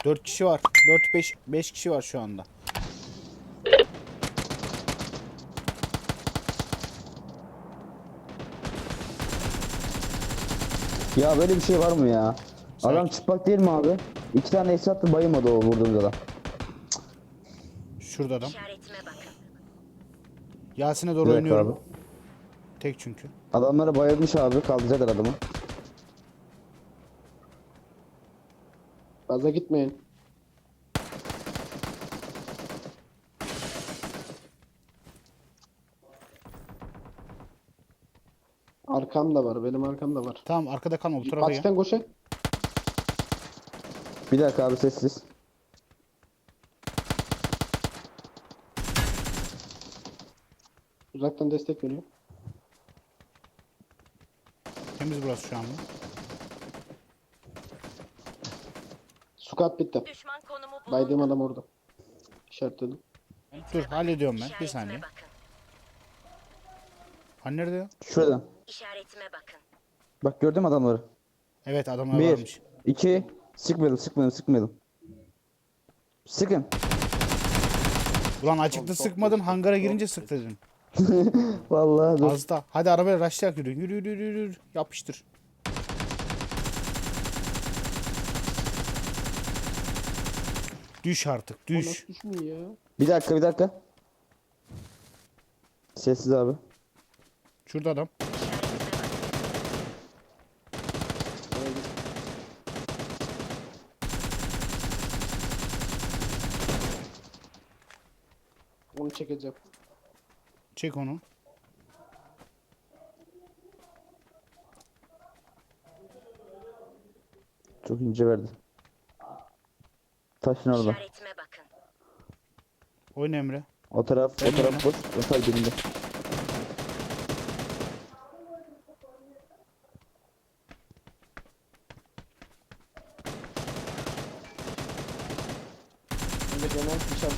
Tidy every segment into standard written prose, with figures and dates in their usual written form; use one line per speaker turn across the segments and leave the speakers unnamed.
4 kişi var. 4-5 kişi var şu anda.
Ya böyle bir şey var mı ya? Adam
Sakin.
çıplak değil mi abi? 2 tane ace attı, bayılmadı o vurduğumuz adam.
Şurada adam.
İşaretime bakın.
Yasin'e
Bir
doğru
dakika abi.
oynuyorum. Tek çünkü.
Adamları bayılmış abi, kaldıracaklar adamı.
Fazla gitmeyin. Arkam da var. Benim arkam da var.
Tamam arkada kalma bu tarafa gel.
Patisten koşun.
Bir dakika abi, sessiz.
Uzaktan destek veriyor.
Temiz burası şu anda.
Squat bitti.
Düşman konumu bulundu.
Baydığım adam orada. İşaretledim.
Dur hallediyorum ben. Bir
İşaretime
saniye.
bakın.
Hani nerede ya?
Şuradan.
İşaretime bakın.
Bak, gördün mü adamları?
Evet adamlar
1,
varmış.
2, sıkmayalım. Sıkın.
Ulan açıkta sıkmadın, hangara girince sık dedim.
Vallahi dur.
Az da. Hadi arabaya raşlayak yürü. Yürü yürü yürü yürü. Yapıştır. Düş artık düş.
Nasıl düşmüyor ya?
Bir dakika. Sessiz abi.
Şurada adam.
Onu çekeceğim.
Çek onu.
Çok ince verdi. Taşın orada.
İşaretime bakın.
Oyna Emre.
O taraf boş. O taraf birinde.
Önce genel dışarı.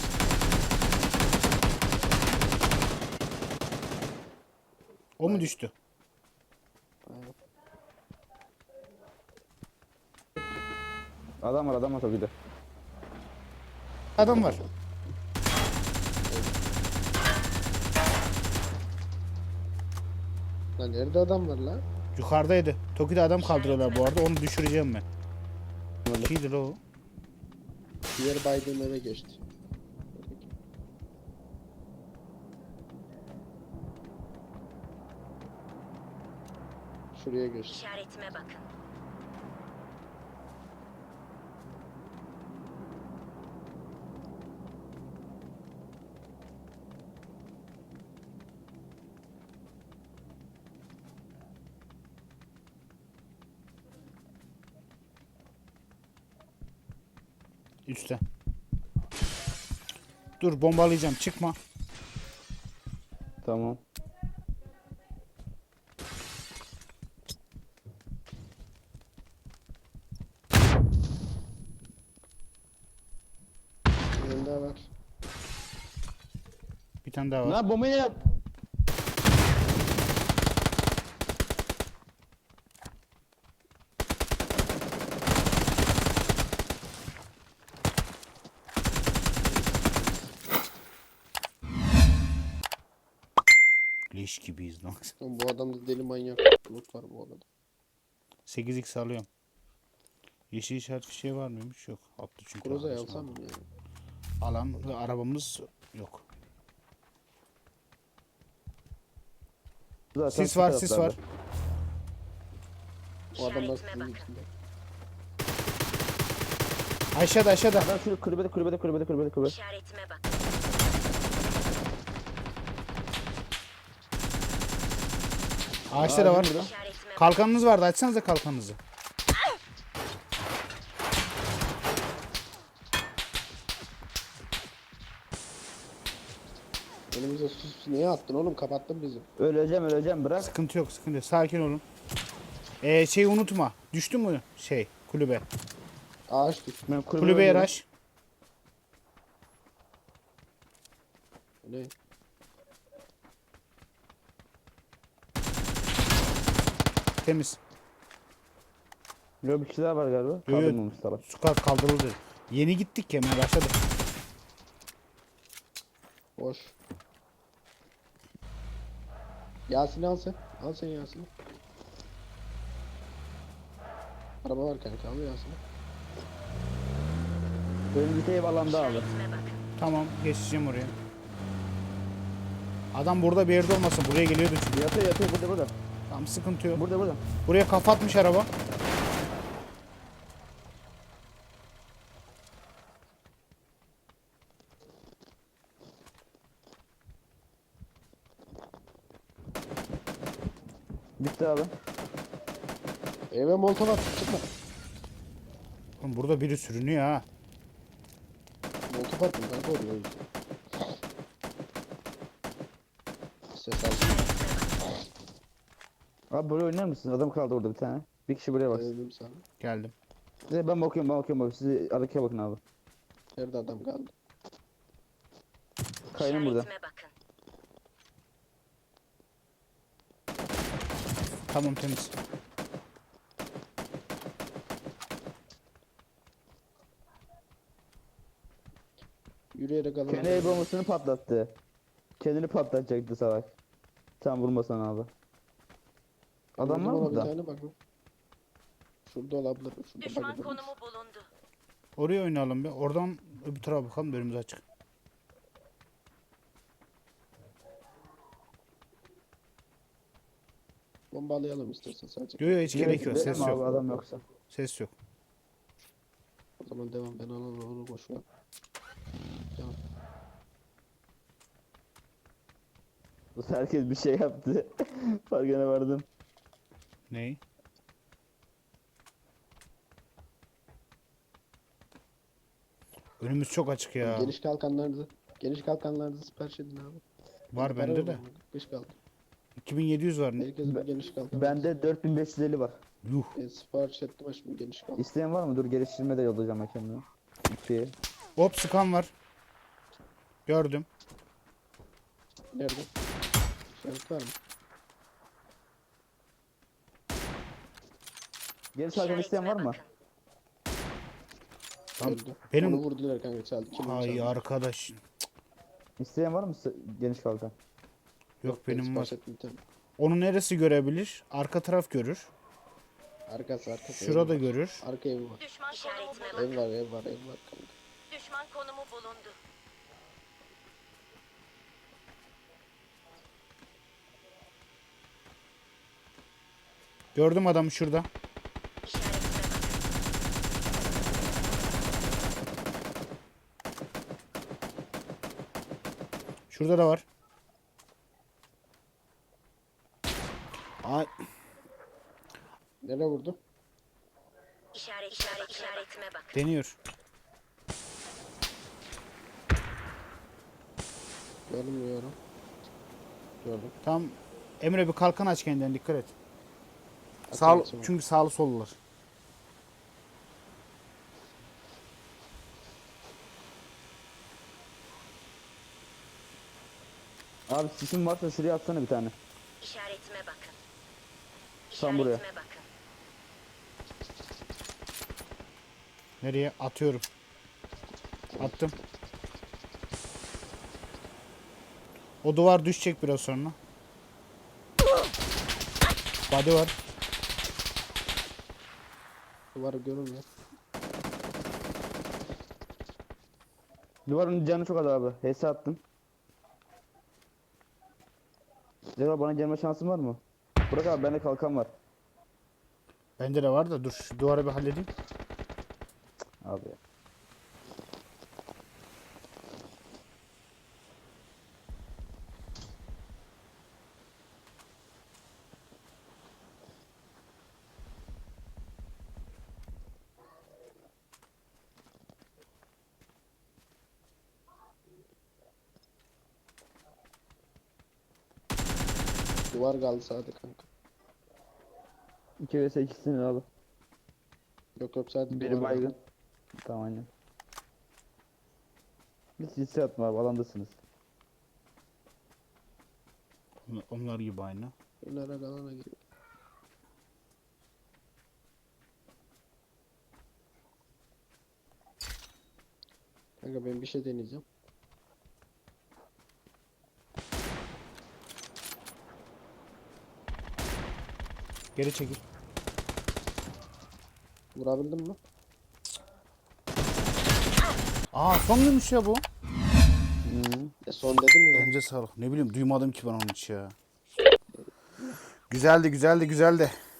O mu düştü?
Adam var tabii de.
Adam var.
Lan nerede adam var lan?
Yukarıdaydı. Toki'de adam kaldırıyorlar bu arada. Onu düşüreceğim ben. Kimdir o?
Diğer baydığım eve geçti. Şuraya geçti.
İşaretime bakın.
Üstte. Dur bombalayacağım. Çıkma.
Tamam.
Birinde var.
Bir tane daha var.
Lan bombayı yap.
Leş gibiyiz lan.
Oğlum bu adamda deli manyak loot var bu arada.
8x alıyorum. Yeşil işaret bir şey var mıymış? Yok. Attı çünkü.
Groza'yı
arkadaşım.
alsam mı ya?
Alan ve arabamız yok.
Zaten
Sis var,
şu
sis
taraflarda.
var.
O adam da
İşaretime
sizin
bakın.
içinde.
Aşağıda.
Adam şurada kulübede.
İşaretime bakın.
Ağaçta da var.
İşaretime bakın.
Kalkanınız vardı. Açsanıza kalkanınızı.
Önümüze sus niye attın oğlum? Kapattın bizi.
Öleceğim, bırak.
Sıkıntı yok. Sakin olun. Şeyi unutma. Düştü mü kulübe?
Ağaç düştü.
Ben
Kulübeye
oynuyorum.
raş.
Ne?
Temiz.
Yok, bir kişi daha var galiba.
Yo.
Kaldırmamış salak.
Su kaldırıldı. Yeni gittik ya, hemen başladık.
Boş. Yasin'i al sen. Al sen Yasin'i. Araba var kanka, al Yasin'i.
Önümüzdeki ev alanda abi.
İşaretime bakın.
Tamam, geçeceğim oraya. Adam burada bir yerde olmasın. Buraya geliyordu çünkü.
Yatıyor yatıyor burada.
Tamam, sıkıntı yok.
Burada.
Buraya kafa atmış araba.
Bitti abi.
Eve molotov at, çıkma.
Oğlum burada biri sürünüyor ha.
Molotov attım kanka oraya. Ses aldım.
Abi buraya oynar mısın? Adam kaldı orada bir tane. Bir kişi buraya baksın.
Dedim sana.
Geldim.
Ben bakıyorum. Siz arkaya bakın abi.
Nerede adam kaldı?
Kayanın burada.
İşaretime bakın.
Tamam, temiz.
Yürüyerek alın.
Kendi el bombasını patlattı. Kendini patlatacaktı salak. Sen vurmasan abi. Adam var mı
Bir
burada?
tane bak. Şurada olabilir. Şurada
Düşman
bakabilir.
konumu bulundu.
Oraya oynayalım bir. Oradan öbür tarafa bakalım da önümüz açık.
Bombalayalım istersen sadece.
Yok yok, hiç gerek yok.
Gidelim
Ses
abi,
yok.
adam yoksa.
Ses yok.
O zaman devam, ben alalım onu boş ver. Tamam.
Bu sefer herkes bir şey yaptı. Farkına vardım.
Ney? Önümüz çok açık ya.
Geniş kalkanlarınızı sipariş edin abi.
Var
Para
bende
yok
de.
ama, 45 kaldı.
2700 var.
Herkesin bir geniş kalkan.
Bende 4550 var.
Yuh.
Sipariş ettim ama şimdi geniş kaldı.
İsteyen var mı? Dur geliştirme de yollayacağım ben kendime. İki.
Hop, sıkan var. Gördüm.
Nerede? İşaret var mı?
Geri sarkan isteyen var mı?
bakın.
Tamam.
Öldü.
Benim-
Onu vurdular kanka, çaldı. Kim onu
Ay
çaldı?
arkadaş.
İsteyen var mı geniş kalkan?
Yok,
ben
benim var.
sipariş ettim bir tane.
Onu neresi görebilir? Arka taraf görür.
Arkası.
Şurada
ev var.
görür.
Arka evi var.
Düşman konumu
Ev
bulundu.
var, ev var kanka.
Düşman konumu bulundu.
Gördüm adamı şurada.
İşaretime bakın.
Şurada da var. Ay,
Nereye vurdu?
İşaretime bakın.
deniyor.
Görmüyorum. Gördüm.
Tam Emre bir kalkan aç kendine, dikkat et.
Açalım sonra.
Çünkü sağlı sollular.
Abi sisin varsa şuraya atsana bir tane.
İşaretime bakın.
Tam buraya.
İşaretime bakın.
Nereye? Atıyorum. Attım. O duvar düşecek biraz sonra. Body var.
Duvarı görünmüyor.
Duvarın canı çok az abi. HS attım. Cevap bana gelme şansın var mı? Burak abi bende kalkan var.
Bende de var da dur, şu duvarı bir halledeyim.
Abi.
Duvar kaldı sağda kanka.
2 vs 2'sini abi.
Yok sadece
Biri
duvar
baygın.
kaldı.
Tamam aynen. Hiç hissi atma abi, alandasınız.
Onlar gibi aynı.
Bunlara kalana giriyor. Kanka ben bir şey deneyeceğim.
Geri çekil.
Vurabildim mi?
Aa son gümüş ya bu.
Son dedim ya.
Bence sağlık. Ne bileyim duymadım ki ben onu hiç ya. Güzeldi güzeldi güzeldi.